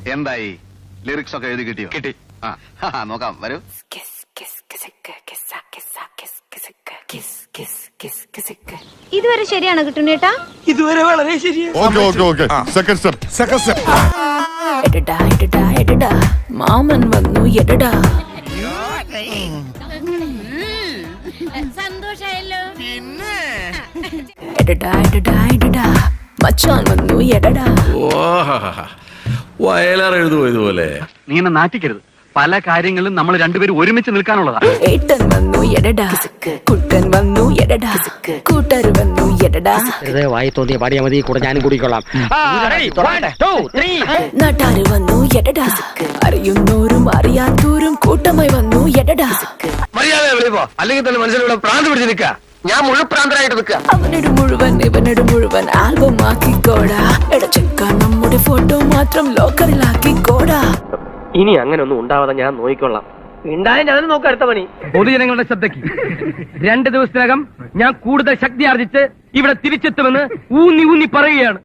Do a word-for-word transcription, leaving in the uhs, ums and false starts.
എന്തായി ലിറിക്സ് ഒക്കെ എഴുതി കിട്ടിയോ? കിട്ടി. ആ നോക്കാം, വരൂ. ഇതുവരെ ശരിയാണോ കിട്ടുന്നേട്ടാ? ഇതുവരെ വളരെ ശരിയാണ്. Okay okay okay second step second step എടടാ എടടാ എടടാ മാമൻ വന്നു എടടാ. സന്തോഷായല്ലോ. എടടാ എടടാ എടടാ മച്ചാൻ വന്നു എടടാ. വയലാർ എഴുതുമോ ഇതുപോലെ? നീ എന്നെ നാറ്റിക്കരുത്. പല കാര്യങ്ങളിലും നമ്മൾ രണ്ടുപേരും ഒരുമിച്ച് നിൽക്കാനുള്ളതാ. ഏട്ടൻ വന്നു എടടാ, കുട്ടൻ വന്നു എടടാ, കൂട്ടർ വന്നു എടടാ. വായി തോന്നിയ പാടിയാ മതി, കൂടെ ഞാനും കൂടിക്കൊള്ളാം. നാട്ടാര് വന്നു എടടാ, അറിയുന്നോരും അറിയാത്തോരും കൂട്ടമായി വന്നു എടടാ. മര്യാദ വിളിപ്പോ, അല്ലെങ്കിൽ തന്നെ മനസ്സിലൂടെ പ്രാന്ത് പിടിച്ച് നിൽക്കുക. ഞാൻ മുഴുപ്രാന്തരായിട്ട് നിൽക്കുക. അവനോട് മുഴുവൻ ഇവനോട് മുഴുവൻ ആൽബം ആക്കിക്കോടാ. എടച്ചെക്ക നമ്മുടെ ഫോട്ടോ മാത്രം ലോക്കറിലാക്കിക്കോടാ. ഇനി അങ്ങനെ ഒന്നും ഉണ്ടാവാതെ ഞാൻ നോക്കിക്കൊള്ളാം. ഉണ്ടായ ഞാനും നോക്കാം അടുത്ത പണി. പൊതുജനങ്ങളുടെ ശ്രദ്ധയ്ക്ക്, രണ്ട് ദിവസത്തിനകം ഞാൻ കൂടുതൽ ശക്തി ആർജിച്ച് ഇവിടെ തിരിച്ചെത്തുമെന്ന് ഊന്നി ഊന്നി പറയുകയാണ്.